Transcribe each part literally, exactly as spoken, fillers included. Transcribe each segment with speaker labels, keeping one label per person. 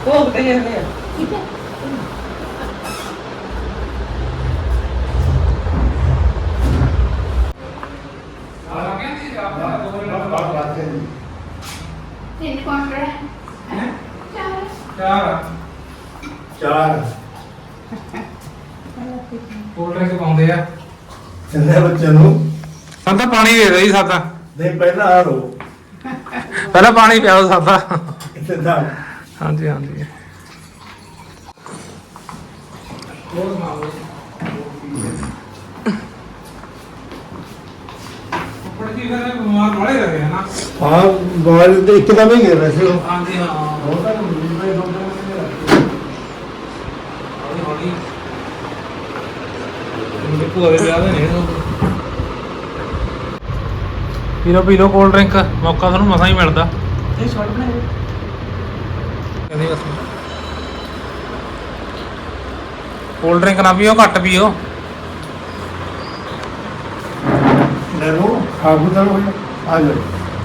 Speaker 1: ਭੋਗ ਤੇ ਜਾਂਦੇ ਆ ਠੀਕ ਹੈ ਆ ਗਿਆ ਜੀ ਆਪਣਾ ਦੋ ਮਿੰਟ ਬਾਅਦ ਬਾਤ ਹੈ
Speaker 2: ਤਿੰਨ ਕਾਉਂਟਰ ਹੈ ਚਾਰ
Speaker 3: ਚਾਰ ਚਾਰ
Speaker 4: ਕੋਲਡ ਡਰਿੰਕ ਪਾਉਂਦੇ ਆ
Speaker 3: ਕਿੰਨੇ ਬੱਚੇ ਨੂੰ
Speaker 4: ਸਾਨੂੰ ਤਾਂ ਪਾਣੀ ਦੇ ਦੇ ਸਾਦਾ
Speaker 3: ਨਹੀਂ ਪਹਿਲਾਂ ਆ ਰੋ
Speaker 4: ਪਹਿਲਾਂ ਪਾਣੀ ਪਿਆਓ ਸਾਦਾ
Speaker 3: ਕਿੱਥੇ ਦਾ
Speaker 4: ਹਾਂਜੀ ਹਾਂਜੀ ਪੜਦੀ ਫਿਰ ਬਿਮਾਰ ਵਾਲੇ ਰਹੇ ਨਾ
Speaker 3: ਹਾਂ ਬਾਲ ਤੇ ਇੱਕਦਮ ਹੀ ਗਿਰ ਰਿਹਾ ਸੀ ਉਹ
Speaker 4: ਹਾਂਜੀ ਹਾਂ
Speaker 3: ਬਹੁਤ ਸਾਰੇ ਮੁੰਡੇ ਦੋ ਦੋ
Speaker 4: ਹੌਲੀ ਹੌਲੀ ਮੇਰੇ ਭੂਆ ਦੇ ਵਿਆਹ ਦੇ ਨੇ ਪੀ ਲਓ ਪੀ ਲਓ ਕੋਲਡ ਡਰਿੰਕ ਮੌਕਾ ਤੁਹਾਨੂੰ ਮਸਾਂ ਹੀ ਮਿਲਦਾ
Speaker 1: ਇਹ ਸ਼ਾਰਟ ਬਣਾਏ
Speaker 4: ਕਹਿੰਦੀ ਬਸ ਕੋਲਡ ਡਰਿੰਕ ਨਾ ਪੀਓ ਘੱਟ ਪੀਓ
Speaker 3: ਲੈ ਲੋ ਆਗੂ ਦਾ ਲੋ ਆ ਜਾ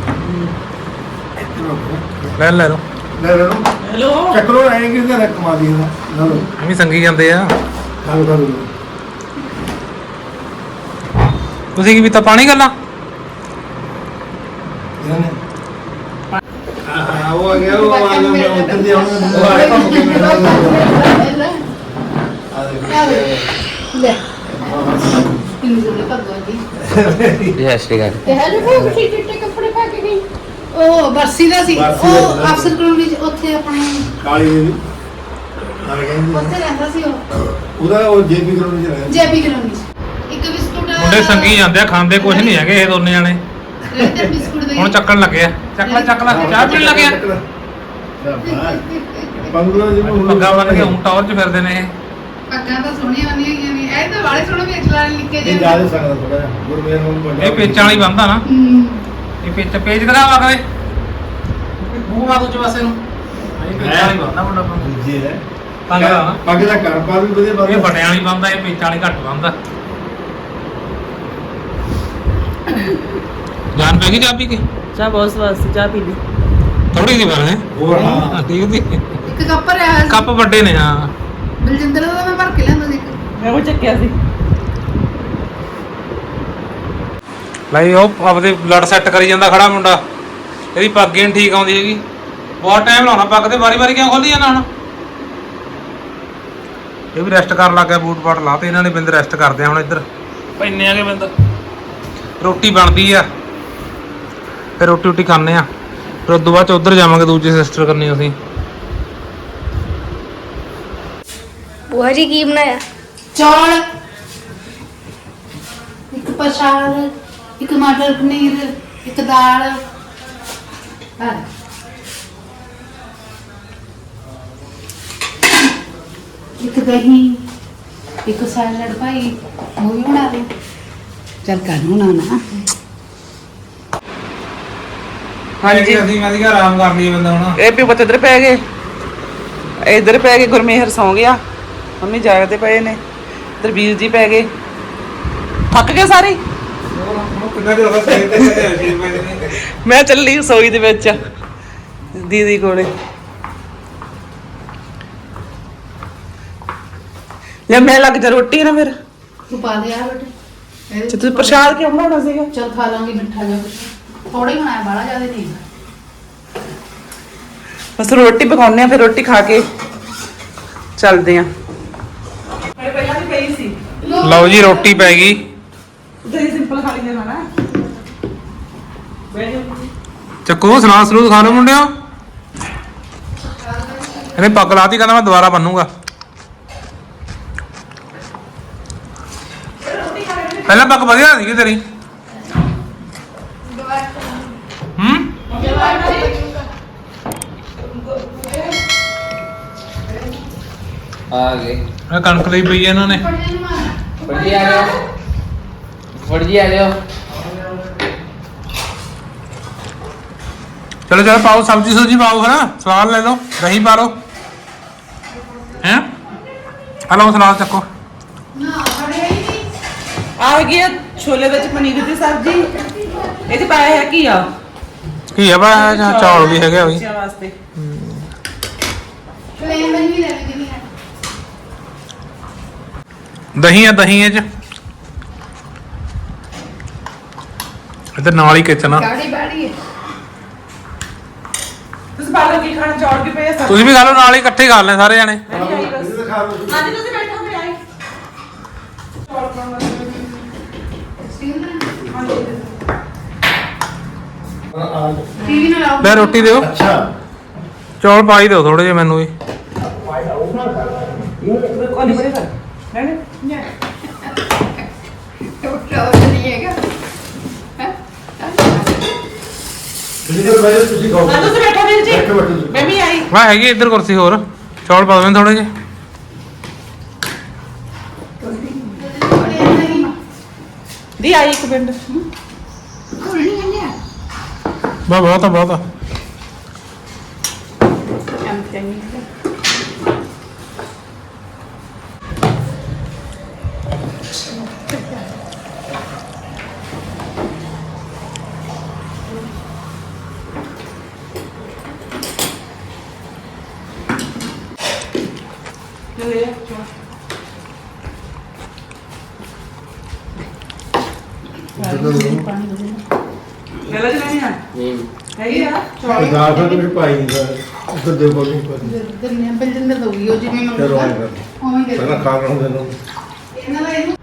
Speaker 4: ਲੈ ਲੈ ਲਓ
Speaker 3: ਲੈ ਲੋ
Speaker 1: ਹੈਲੋ
Speaker 3: ਚੱਕਰੋ ਆਏਗੀ ਤੇ ਰਕ ਕਮਾ ਦੀ ਨਾ ਲੋ
Speaker 4: ਇਹ ਵੀ ਸੰਗੀ ਜਾਂਦੇ ਆ
Speaker 3: ਖਾਓ ਖਾਓ
Speaker 4: ਤੁਸੀਂ ਕੀ ਪੀਤਾ ਪਾਣੀ ਗੱਲਾਂ
Speaker 3: ਇਹਨੇ ਹਾਂ ਉਹ ਆ ਗਿਆ ਉਹ ਆ ਗਿਆ ਮੈਂ ਉੱਤਰ ਦੀ ਆਉਂਦਾ ਉਹ ਆਇਆ ਕੰਮ ਕੇ ਮੈਂ ਆ ਦੇ
Speaker 2: ਲੈ ਕਿੰਨੀ ਜ਼ਰੂਰੀ ਭਗਵਾਨ ਦੀ
Speaker 5: ਜੈ ਸ਼੍ਰੀ ਅਕਾਲ
Speaker 2: ਤੇ ਹੈਲੋ ਭੋਗ ਠੀਕ ਚਿੱਟੇ ਕੱਪੜੇ ਪਾ ਕੇ ਗਈ ਉਹ ਬਰਸੀ ਦਾ ਸੀ
Speaker 3: ਬਰਸੀ ਦਾ
Speaker 2: ਉਹ
Speaker 3: ਸੀ।
Speaker 2: ਅਫਸਰ ਕਲੋਨੀ ਚ ਉੱਥੇ ਆਪਣੇ
Speaker 3: ਕਾਲੀ ਦੇਵੀ ਆ ਕਹਿੰਦੀ
Speaker 2: ਉੱਥੇ ਰਹਿੰਦਾ ਸੀ ਉਹ
Speaker 3: ਉਹਦਾ ਉਹ ਜੇਪੀ ਗਰਾਊਂਡ ਚ ਰਹਿੰਦਾ
Speaker 2: ਜੇਪੀ ਕਲੋਨੀ ਚ ਇੱਕ ਬਿਸਕੁਟ
Speaker 4: ਮੁੰਡੇ ਸੰਗੀ ਜਾਂਦੇ ਆ ਖਾਂਦੇ ਕੁਝ ਨਹੀਂ ਹੈਗੇ ਇਹ ਦੋਨੇ ਜਾਣੇ
Speaker 2: ਰਹਿੰਦੇ ਬਿਸਕੁਟ ਦੇ
Speaker 4: ਹੁਣ ਚੱਕਣ ਲੱਗੇ ਆ ਚੱਕ ਲੈ ਚੱਕ ਲੈ ਚਾਹ ਪੀਣ ਲੱਗੇ ਆ
Speaker 3: ਪੰਗਲਾ ਜੀ ਨੂੰ
Speaker 4: ਪੱਗਾਂ ਬੰਨ ਕੇ ਹੁਣ ਟੌਰ 'ਚ ਫਿਰਦੇ ਨੇ ਇਹ
Speaker 2: ਪੱਗਾਂ ਤਾਂ ਸੋਹਣੀਆਂ ਆਉਂਦੀਆਂ ਗਈਆਂ ਨੇ ਇਹ ਤਾਂ ਵਾਲੇ ਸੋਹਣੇ ਵੇਚ ਲਾ ਲਿਖੇ
Speaker 3: ਇਹ ਜਾ ਨਹੀਂ ਸਕਦਾ ਥੋੜਾ ਜਿਹਾ ਗੁਰਮੇਰ ਨੂੰ ਵੱਡਾ
Speaker 4: ਇਹ ਪੇਚਾਂ ਵਾਲੀ ਬੰਦਾ ਨਾ
Speaker 2: ਹੂੰ
Speaker 4: ਇਹ ਪੇਚ ਪੇਚ ਦਿਖਾਵਾ ਕਰੇ ਮੂੰਹ ਮਾਰ ਦੂਜੇ ਪਾਸੇ ਨੂੰ ਇਹ ਪੇਚਾਂ ਵਾਲੀ ਬੰਦਾ ਮੁੰਡਾ ਬੰਦਾ
Speaker 3: ਜੀ ਹੈ
Speaker 4: ਪੱਗ ਦਾ ਨਾ
Speaker 3: ਪੱਗ ਦਾ ਕਰ ਪਾ ਵੀ ਵਧੀਆ
Speaker 4: ਇਹ
Speaker 3: ਬੰਦਾ
Speaker 4: ਬਟਿਆਂ ਵਾਲੀ ਬੰਦਾ ਇਹ ਪੇਚਾਂ ਵਾਲੀ ਘੱਟ ਬੰਦਾ ਜਾਨ ਪੈ ਗਈ ਚਾਹ ਪੀ ਕੇ
Speaker 1: ਚਾਹ ਬਹੁਤ ਸਵਾਦ ਸੀ ਚਾਹ ਪੀ ਲਈ
Speaker 4: ਥੋੜੀ ਜਿਹੀ ਪਰ ਹੈ
Speaker 3: ਹੋਰ ਹਾਂ
Speaker 4: ਠੀਕ ਸੀ
Speaker 2: ਇੱਕ ਕੱਪ ਰਿਹਾ ਸੀ
Speaker 4: ਕੱਪ ਵੱਡੇ ਨੇ ਹਾਂ
Speaker 2: ਬਲਜਿੰਦਰ ਦਾ ਮੈਂ ਭਰ ਕੇ ਲਿਆਂਦਾ ਸੀ ਇੱਕ।
Speaker 1: ਮੈਂ ਉਹ ਚੱਕਿਆ ਸੀ
Speaker 4: ਲਈ ਉਹ ਆਪਦੇ ਬਲੱਡ ਸੈੱਟ ਕਰੀ ਜਾਂਦਾ ਖੜਾ ਮੁੰਡਾ ਇਹਦੀ ਪੱਗ ਹੀ ਨੀ ਠੀਕ ਆਉਂਦੀ ਹੈਗੀ ਬਹੁਤ ਟਾਈਮ ਲਾਉਣਾ ਪੱਗ ਤੇ ਵਾਰੀ ਵਾਰੀ ਕਿਉਂ ਖੋਲੀ ਜਾਂਦਾ ਹੁਣ ਇਹ ਵੀ ਰੈਸਟ ਕਰਨ ਲੱਗ ਗਿਆ ਬੂਟ ਬਾਟ ਲਾ ਤੇ ਇਹਨਾਂ ਨੇ ਬਿੰਦ ਰੈਸਟ ਕਰਦੇ ਆ ਹੁਣ ਇੱਧਰ ਪੈਨੇ ਆਗੇ ਬਿੰਦ ਰੋਟੀ ਬਣਦੀ ਆ ਫਿਰ ਰੋਟੀ ਰੋਟੀ ਖਾਣੇ ਆ ਫਿਰ ਉਦੋਂ ਬਾਅਦ ਚ ਉੱਧਰ ਜਾਵਾਂਗੇ ਦੂਜੀ ਸਿਸਟਰ ਕਰਨੀ ਅਸੀਂ
Speaker 6: बुआ जी की बनाया
Speaker 2: ਚੌਲ ਇੱਕ ਪ੍ਰਸ਼ਾਦ ਇੱਕ ਮਟਰ ਪਨੀਰ ਇੱਕ ਦਾਲ ਹਾਂ ਇੱਕ ਦਹੀਂ ਇੱਕ ਸੈਲਡ ਭਾਈ ਉਹ ਵੀ ਬਣਾ ਦੇ ਚੱਲ ਕਰ ਬਣਾਉਣਾ
Speaker 4: ਹਾਂਜੀ ਅਸੀਂ ਮੈਂ ਕਿਹਾ ਆਰਾਮ ਕਰ ਲਈਏ ਬੰਦਾ ਹੁਣ
Speaker 1: ਇਹ ਵੀ ਬੱਚੇ ਇੱਧਰ ਪੈ ਗਏ ਇੱਧਰ ਪੈ ਗਏ ਗੁਰਮੇਹਰ ਸੌਂ ਗਿਆ ਮੰਮੀ ਜਾਗਦੇ ਪਏ ਨੇ ਇੱਧਰ ਵੀਰ ਜੀ ਪੈ ਗਏ ਥੱਕ ਗਏ ਸਾਰੇ
Speaker 4: ਕਿੰਨਾ ਜਿਹਾ ਹੋ ਗਿਆ
Speaker 1: ਮੈਂ ਚੱਲੀ ਸੋਈ ਦੇ ਵਿੱਚ ਦੀਦੀ ਕੋਲੇ ਲੈ ਮੈਂ ਲੱਗ ਜਾ ਰੋਟੀ ਨਾ ਫਿਰ
Speaker 2: ਤੂੰ ਪਾ ਦੇ ਆ ਬੇਟੇ
Speaker 1: ਤੇ ਤੁਸੀਂ ਪ੍ਰਸ਼ਾਦ ਕਿਉਂ ਬਣਾਉਣਾ ਸੀਗਾ
Speaker 2: ਚਲ ਖਾ ਲਾਂਗੇ ਮਿੱਠਾ ਜਿਹਾ ਕੁਛ ਥੋੜਾ ਹੀ ਬਣਾਇਆ ਬਾਹਲਾ ਜ਼ਿਆਦਾ ਨਹੀਂ
Speaker 1: ਬਸ ਰੋਟੀ ਪਕਾਉਂਦੇ ਆ ਫਿਰ ਰੋਟੀ ਖਾ ਕੇ ਚੱਲਦੇ ਆ ਮੈਂ ਪਹਿਲਾਂ ਵੀ ਪਈ ਸੀ
Speaker 4: ਲਓ ਜੀ ਰੋਟੀ ਪੈ ਗਈ
Speaker 1: ਦਹੀਂ ਸਿੰਪਲ ਖਾ ਲਈ ਜਾਣਾ ਬੈਠੋ
Speaker 4: ਚੱਕੋ ਸਲਾਦ ਸਲੂਦ ਖਾ ਲਓ ਮੁੰਡਿਓ ਇਹਨੇ ਪੱਗ ਲਾਤੀ ਕਹਿੰਦਾ ਮੈਂ ਦੁਬਾਰਾ ਬੰਨੂਗਾ ਪਹਿਲਾਂ ਪੱਗ ਵਧੀਆ ਸੀਗੀ ਤੇਰੀ ਹੂੰ
Speaker 5: ਆ ਗਏ
Speaker 4: ਇਹ ਕਣਕ ਲਈ ਪਈ ਹੈ ਇਹਨਾਂ ਨੇ
Speaker 5: ਫੜਜੀ ਆ ਜਾਓ ਫੜਜੀ ਆ ਜਾਓ
Speaker 4: ਚਲੋ ਚਲੋ ਪਾਓ ਸਬਜ਼ੀ ਸੁਬਜ਼ੀ ਪਾਓ ਹੈ ਨਾ ਸਲਾਦ ਲੈ ਲਓ ਦਹੀਂ ਪਾ ਲਓ ਹੈਂ ਹਲੋ ਸਲਾਦ ਚੱਕੋ
Speaker 1: ਆ ਗਈ ਆ ਛੋਲੇ ਵਿੱਚ ਪਨੀਰ ਦੀ ਸਬਜ਼ੀ ਇਹ ਤੇ ਪਾਇਆ ਹੈ ਕੀ ਆ
Speaker 4: ਕੀ ਆ ਬਾ ਚੌਲ ਵੀ ਹੈਗੇ ਆ ਵੀ
Speaker 1: ਬੱਚਿਆਂ ਵਾਸਤੇ
Speaker 2: ਪਲੇਨ ਵਾਲੀ ਵੀ ਲੈ ਲਈ ਜਿੰਨੀ ਹੈ
Speaker 4: ਦਹੀਂ ਆ ਦਹੀਂ ਇਹ ਚ ਇੱਧਰ ਨਾਲ ਹੀ ਕਿਚਨ ਆ
Speaker 2: ਗਾੜੀ ਬਾੜੀ ਹੈ
Speaker 1: ਤੁਸੀਂ ਬਾਹਰ ਕੀ ਖਾਣਾ ਚੌੜ ਕੇ ਪਏ ਆ
Speaker 4: ਤੁਸੀਂ ਵੀ ਖਾ ਲਓ ਨਾਲ ਹੀ ਇਕੱਠੇ ਖਾ ਲੈਣੇ ਸਾਰੇ ਜਾਣੇ
Speaker 1: ਹਾਂਜੀ ਤੁਸੀਂ ਬੈਠੋ ਮੈਂ ਆਈ ਚੌੜ ਖਾਣਾ
Speaker 2: ਸਟੀਲ ਦਾ
Speaker 3: ਆ
Speaker 2: ਟੀਵੀ ਨਾਲ ਲਾਓ
Speaker 4: ਲੈ ਰੋਟੀ ਦਿਓ
Speaker 3: ਅੱਛਾ
Speaker 4: ਚੌਲ ਪਾ ਹੀ ਦਿਓ ਥੋੜੇ ਜਿਹੇ ਮੈਨੂੰ ਵੀ
Speaker 1: ਕੋਲੀ ਬੜੇ ਕਰ ਨਹੀਂ
Speaker 2: ਟੋਟਾ ਨਹੀਂ ਹੈਗਾ
Speaker 3: ਤੁਸੀਂ ਜਦੋਂ ਬੈਠੋ ਤੁਸੀਂ ਖਾਓ
Speaker 1: ਨਾ ਤੁਸੀਂ ਬੈਠੋ ਵੀਰ ਜੀ
Speaker 3: ਬੈਠੋ ਬੈਠੋ ਤੁਸੀਂ।
Speaker 1: ਮੈਂ ਵੀ ਆਈ
Speaker 4: ਵਾ ਹੈਗੀ ਇੱਧਰ ਕੁਰਸੀ ਹੋਰ ਚੌਲ ਪਾ ਦੇਵੇਂ ਥੋੜੇ ਜਿਹੇ
Speaker 1: ਦੀ ਆਈ ਇੱਕ ਮਿੰਟ
Speaker 2: ਕੋਲ ਨਹੀਂ ਆਇਆ
Speaker 4: ਬਾ ਬਹੁਤ ਆ ਬਹੁਤ ਆ
Speaker 2: ਕੰਮ ਚੰਗੀ
Speaker 1: ਲੈ ਲੈ ਜਨਾਨੀ ਆ ਹੈਗੀ ਆ ਚੌੜ
Speaker 3: ਦਾਲ ਫਿਰ ਤੁਸੀਂ ਪਾਈ ਨਹੀਂ ਸਰ ਉੱਧਰ ਦੇ ਕੋਲ ਨਹੀਂ ਪਾਈ
Speaker 2: ਦਰਨੇ ਬਲਜਿੰਦਰ ਦੋਗੀ ਉਹ ਜਿਵੇਂ
Speaker 3: ਚਲੋ
Speaker 2: ਮੰਗੂਗਾ
Speaker 3: ਆਏ ਕਰ
Speaker 2: ਉਵੇਂ ਦੇ
Speaker 3: ਪਹਿਲਾਂ ਖਾ ਲੈਣ ਦੇ ਨੂੰ
Speaker 2: ਇਹਨਾਂ ਦਾ ਇਹਨੂੰ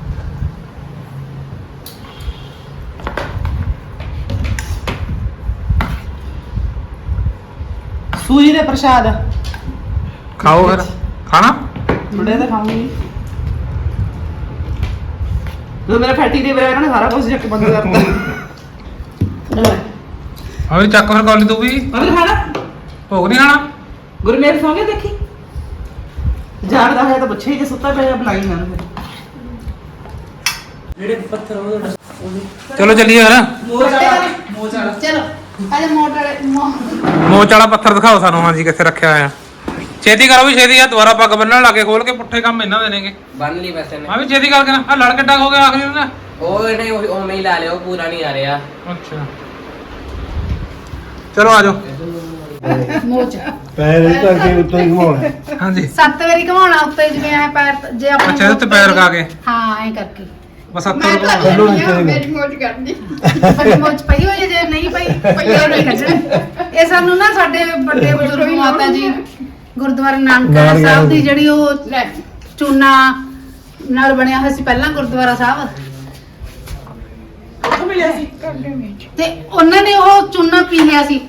Speaker 1: ਸੂਜੀ ਦੇ ਪ੍ਰਸ਼ਾਦ
Speaker 4: ਖਾਓ ਫਿਰ ਖਾਣਾ
Speaker 1: ਥੋੜੇ ਤਾਂ ਖਾਉਂਗੀ ਜਦੋਂ ਮੇਰਾ ਫੈਟੀ ਦੇ ਮੇਰਾ ਨਾ ਸਾਰਾ ਕੁਝ ਚੱਕ ਬੰਦ ਕਰਤਾ
Speaker 4: ਆ ਵੀ ਚੱਕ ਫਿਰ ਕੌਲੀ ਤੂੰ ਵੀ
Speaker 1: ਅਬੇ ਖਾਣਾ
Speaker 4: ਭੋਗ ਨਹੀਂ ਖਾਣਾ
Speaker 1: ਗੁਰਮੇਰ ਸੌਂ ਗਿਆ ਦੇਖੀ ਜਾਗਦਾ ਹੈ ਤਾਂ ਪੁੱਛੇ ਜੇ ਸੁੱਤਾ ਪਿਆ ਬੁਲਾਈ ਨਾ ਫਿਰ ਜਿਹੜੇ ਪੱਥਰ ਉਹਦੇ
Speaker 4: ਚਲੋ ਚੱਲੀਏ ਫਿਰ
Speaker 1: ਮੋਚ ਵਾਲਾ ਮੋਚ ਵਾਲਾ
Speaker 2: ਚਲੋ ਆਜਾ ਮੋਟਰ ਵਾਲੇ ਮੋ-
Speaker 4: ਮੋਚ ਵਾਲਾ ਪੱਥਰ ਦਿਖਾਓ ਸਾਨੂੰ ਹਾਂਜੀ ਕਿੱਥੇ ਰੱਖਿਆ ਹੋਇਆ ਛੇਤੀ ਕਰੋ ਵੀ ਛੇਤੀ ਆ ਦੁਬਾਰਾ ਪੱਗ ਬੰਨਣ ਲੱਗੇ ਖੋਲ ਕੇ ਪੁੱਠੇ ਕੰਮ ਇਹਨਾਂ ਦੇ ਨੇਗੇ
Speaker 5: ਬੰਨ ਲਈ ਵੈਸੇ ਨੇ
Speaker 4: ਆ ਵੀ ਛੇਤੀ ਕਰਕੇ ਨਾ ਆ ਲੜ ਕਿੱਡਾ ਹੋ ਗਿਆ ਆਖਰੀ ਨਾ
Speaker 5: ਉਹ ਨਹੀਂ ਉਹ ਉਵੇਂ ਹੀ ਲਾ ਲਿਆ ਉਹ ਪੂਰਾ ਨਹੀਂ ਆ ਰਿਹਾ
Speaker 4: ਅੱਛਾ ਚਲੋ ਆ ਜਾਓ
Speaker 2: ਮੋਚ
Speaker 3: ਪੈਰ ਇਹ ਕਰਕੇ ਉੱਤੋਂ ਹੀ ਘਮਾਉਣਾ
Speaker 4: ਹਾਂਜੀ
Speaker 2: ਸੱਤ ਵਾਰੀ ਘਮਾਉਣਾ ਉੱਤੇ ਜਿਵੇਂ ਐ ਪੈਰ ਤ- ਜੇ ਆਪਾਂ
Speaker 4: ਅੱਛਾ, ਇਹਦੇ ਉੱਤੇ ਪੈਰ ਲਗਾ ਕੇ।
Speaker 2: ਹਾਂ ਐ ਕਰਕੇ
Speaker 4: ਬਸ ਹੱਥ
Speaker 2: ਮੈਂ ਤਾਂ
Speaker 3: ਕੱਢੋ ਨੀਚੇ ਨੂੰ।
Speaker 2: ਮੇਰੀ ਮੋਚ ਕਰਦੀ ਮੇਰੀ ਮੋਚ ਪਈ ਹੋਈ ਹੈ, ਜੇ ਨਹੀਂ ਪਈ ਪਈਆ ਨਹੀਂ ਕੱਢਣੀ ਇਹ ਸਾਨੂੰ ਨਾ ਸਾਡੇ ਵੱਡੇ ਬਜ਼ੁਰਗ ਮਾਤਾ ਜੀ ਗੁਰਦੁਆਰਾ ਨਾਨਕਸਰ
Speaker 3: ਨਾਨਕਸਰ
Speaker 2: ਸਾਹਿਬ ਦੀ ਜਿਹੜੀ ਉਹ ਚੂਨਾ ਨਾਲ ਬਣਿਆ ਹੋਇਆ ਸੀ ਪਹਿਲਾਂ ਗੁਰਦੁਆਰਾ ਸਾਹਿਬ
Speaker 1: ਉੱਥੋਂ ਮਿਲਿਆ ਸੀ
Speaker 2: ਤੇ ਉਹਨਾਂ ਨੇ ਉਹ ਚੂਨਾ ਪੀ ਲਿਆ ਸੀ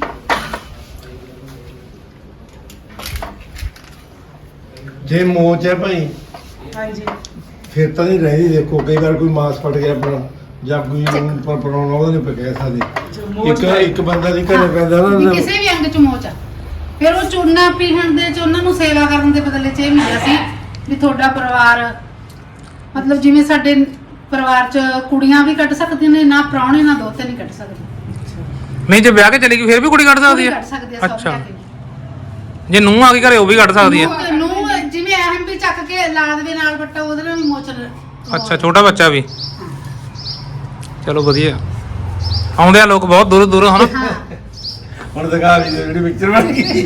Speaker 3: ਜੇ ਮੋਚ ਹੈ ਭਾਈ
Speaker 1: ਹਾਂਜੀ
Speaker 3: ਫਿਰ ਤਾਂ ਨਹੀਂ ਰਹਿੰਦੀ ਦੇਖੋ ਕਈ ਵਾਰ ਕੋਈ ਮਾਸ ਫਟ ਗਿਆ ਆਪਣਾ ਜਾਂ ਕੋਈ ਪਰ ਪਰਾਉਣਾ ਉਹਦੇ ਨੇ ਪਕਿਆ ਸਾਡੇ ਇੱਕ ਇੱਕ ਬੰਦਾ ਦੀ ਘਰੇ ਪੈਂਦਾ
Speaker 2: ਵੀ
Speaker 3: ਨਾ
Speaker 2: ਕਿਸੇ ਵੀ ਅੰਗ ਚ ਮੋਚ ਆ ਫਿਰ ਉਹ ਚੂਨਾ ਪੀਣ ਦੇ ਚ ਉਹਨਾਂ ਨੂੰ ਸੇਵਾ ਕਰਨ ਦੇ ਬਦਲੇ ਚ ਇਹ ਮਿਲਿਆ ਸੀ ਵੀ ਤੁਹਾਡਾ ਪਰਿਵਾਰ ਮਤਲਬ ਜਿਵੇਂ ਸਾਡੇ ਪਰਿਵਾਰ ਚ ਕੁੜੀਆਂ ਵੀ ਕੱਢ ਸਕਦੀਆਂ ਨੇ ਨਾ ਪ੍ਰਾਹੁਣੇ ਨਾ ਦੋਤੇ ਨਹੀਂ ਕੱਢ ਸਕਦੇ
Speaker 4: ਨਹੀਂ ਜੇ ਵਿਆਹ ਕੇ ਚਲੀ ਗਈ ਫਿਰ ਵੀ ਕੁੜੀ ਕੱਢ ਸਕਦੀ
Speaker 2: ਉਹ ਵੀ
Speaker 4: ਹੈ
Speaker 2: ਕੱਢ ਸਕਦੇ ਆ ਸਭ
Speaker 4: ਅੱਛਾ
Speaker 2: ਲਿਆ ਕੇ।
Speaker 4: ਜੇ ਨੂੰਹ ਆ ਗਈ ਘਰੇ ਉਹ ਵੀ ਕੱਢ ਸਕਦੀ ਹੈ
Speaker 2: ਨੂੰ- ਨੂੰ ਜਿਵੇਂ ਅਹਿਮ ਵੀ ਚੱਕ ਕੇ ਲਾ ਦੇਵੇ ਨਾਲ ਬੱਟਾ ਉਹਦੇ ਨਾਲ ਵੀ ਮੋਚ ਲ-
Speaker 4: ਅੱਛਾ ਛੋਟਾ ਬੱਚਾ ਵੀ ਚਲੋ ਵਧੀਆ ਆਉਂਦੇ ਆ ਲੋਕ ਬਹੁਤ ਦੂਰ ਦੂਰ ਹਨ
Speaker 2: ਹਾਂ
Speaker 3: ਹੁਣ ਦਿਖਾ ਵੀ ਦਿਓ ਜਿਹੜੀ ਪਿਕਚਰ ਬਣ ਗਈ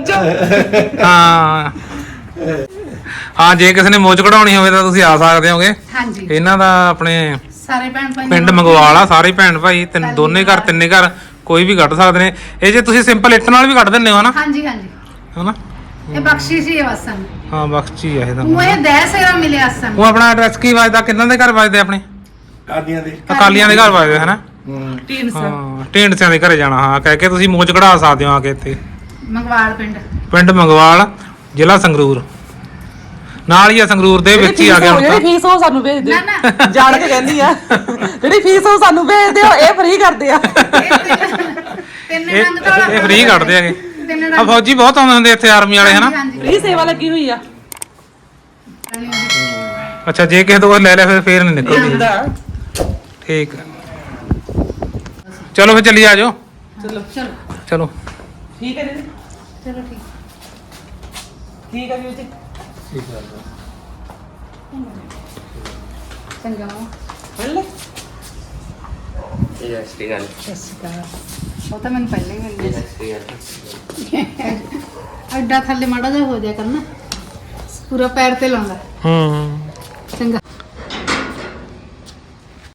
Speaker 4: ਹਾਂ ਹਾਂ ਜੇ ਕਿਸੇ ਨੇ ਮੋਚ ਕਢਾਉਣੀ ਹੋਵੇ ਤਾਂ ਤੁਸੀਂ ਆ ਸਕਦੇ ਹੋਗੇ
Speaker 2: ਹਾਂਜੀ
Speaker 4: ਇਹਨਾਂ ਦਾ ਆਪਣੇ
Speaker 2: ਸਾਰੇ ਭੈਣ ਭਾਈ
Speaker 4: ਪਿੰਡ ਮੰਗਵਾਲ ਆ ਸਾਰੇ ਭੈਣ ਭਾਈ ਤਿੰਨ ਦੋਨੇ ਘਰ ਤਿੰਨੇ ਘਰ ਕੋਈ ਵੀ ਕੱਢ ਸਕਦੇ ਨੇ ਇਹ ਜੇ ਤੁਸੀਂ ਸਿੰਪਲ ਇੱਟ ਨਾਲ ਵੀ ਕੱਢ ਦਿੰਦੇ ਹੋ ਹਨਾ
Speaker 2: ਹਾਂਜੀ ਹਾਂਜੀ
Speaker 4: ਹਨਾ
Speaker 2: ਇਹ ਬਖਸ਼ਿਸ਼ ਹੀ ਹੈ ਬਸ ਸਾਨੂੰ
Speaker 4: ਹਾਂ ਬਖਸ਼ੀ ਆ ਇਹ ਤਾਂ
Speaker 2: ਉਹ ਇਹ ਦਹਿ ਸੇਰਾ ਮਿਲਿਆ ਸਾਨੂੰ
Speaker 4: ਉਹ ਆਪਣਾ ਐਡਰੈਸ ਕੀ ਵੱਜਦਾ ਕਿੰਨਾਂ ਦੇ ਘਰ ਵੱਜਦੇ ਆਪਣੇ
Speaker 3: ਕਾਦੀਆਂ ਦੇ
Speaker 4: ਅਕਾਲੀਆਂ ਦੇ ਘਰ ਵੱਜਦੇ ਹਨਾ
Speaker 3: ਹੂੰ
Speaker 1: ਟੀਨ ਸਰ
Speaker 4: ਹਾਂ ਢੇਂਡਸਿਆਂ ਦੇ ਘਰੇ ਜਾਣਾ ਹਾਂ ਕਹਿ ਕੇ ਤੁਸੀਂ ਮੋਚ ਕਢਾ ਸਕਦੇ ਹੋ ਆ ਕੇ ਇੱਥੇ
Speaker 2: ਮੰਗਵਾਲ ਪਿੰਡ
Speaker 4: ਪਿੰਡ ਮੰਗਵਾਲ ਜ਼ਿਲ੍ਹਾ ਸੰਗਰੂਰ ਨਾਲ ਹੀ ਆ ਸੰਗਰੂਰ ਦੇ ਵਿੱਚ ਹੀ ਆ ਗਿਆ ਹੁਣ
Speaker 1: ਜਿਹੜੀ
Speaker 4: ਤਾਂ
Speaker 1: ਫੀਸ ਉਹ ਸਾਨੂੰ ਭੇਜ ਦਿਓ
Speaker 2: ਨਾ, ਨਾ।
Speaker 1: ਜਾਣ ਕੇ ਕਹਿੰਦੀ ਆ ਜਿਹੜੀ ਫੀਸ ਉਹ ਸਾਨੂੰ ਭੇਜ ਦਿਓ ਇਹ ਫ੍ਰੀ ਕਰਦੇ ਆ
Speaker 2: ਤਿੰਨ
Speaker 4: ਇਹ
Speaker 2: ਰੰਗ ਤੋਂ
Speaker 4: ਇਹ ਫ੍ਰੀ ਕੱਢਦੇ ਹੈਗੇ
Speaker 2: ਤਿੰਨ
Speaker 4: ਆ
Speaker 2: ਰੰਗ
Speaker 4: ਫੌਜੀ ਬਹੁਤ ਆਉਂਦੇ ਹੁੰਦੇ ਇੱਥੇ ਆਰਮੀ ਵਾਲੇ ਹਨਾ
Speaker 2: ਹਾਂਜੀ
Speaker 1: ਫ੍ਰੀ ਸੇਵਾ ਲੱਗੀ ਹੋਈ ਆ
Speaker 4: ਅੱਛਾ ਜੇ ਕਿਸੇ ਤੋਂ ਕੁਛ ਲੈ ਲਿਆ ਫਿਰ ਫੇਰ ਨਹੀਂ ਨਿਕਲਦੀ
Speaker 1: ਹੁੰਦਾ
Speaker 4: ਠੀਕ ਹੈ ਚਲੋ ਫਿਰ ਚੱਲੀ ਆ ਜਾਓ
Speaker 1: ਚਲੋ
Speaker 2: ਚਲੋ
Speaker 4: ਚਲੋ
Speaker 1: ਠੀਕ ਹੈ ਜੀ
Speaker 2: ਚਲੋ ਠੀਕ
Speaker 1: ਠੀਕ ਹੈ ਜੀ
Speaker 2: ਚੰਗਾ
Speaker 1: ਮਿਲ ਲੈ
Speaker 5: ਇਹ ਐਸਟੀ ਗੱਲ
Speaker 2: ਸਤਿ ਸ਼੍ਰੀ ਅਕਾਲ ਉਹ ਤਾਂ ਮੈਨੂੰ ਪਹਿਲਾਂ ਹੀ ਮਿਲ ਗਿਆ
Speaker 5: ਸਸਤੀ ਗੱਲ
Speaker 2: ਐਡਾ ਥੱਲੇ ਮਾੜਾ ਜਿਹਾ ਹੋ ਜਾਇਆ ਕਰਨਾ ਪੂਰਾ ਪੈਰ ਤੇ ਲਾਉਂਦਾ
Speaker 4: ਹੂੰ
Speaker 2: ਚੰਗਾ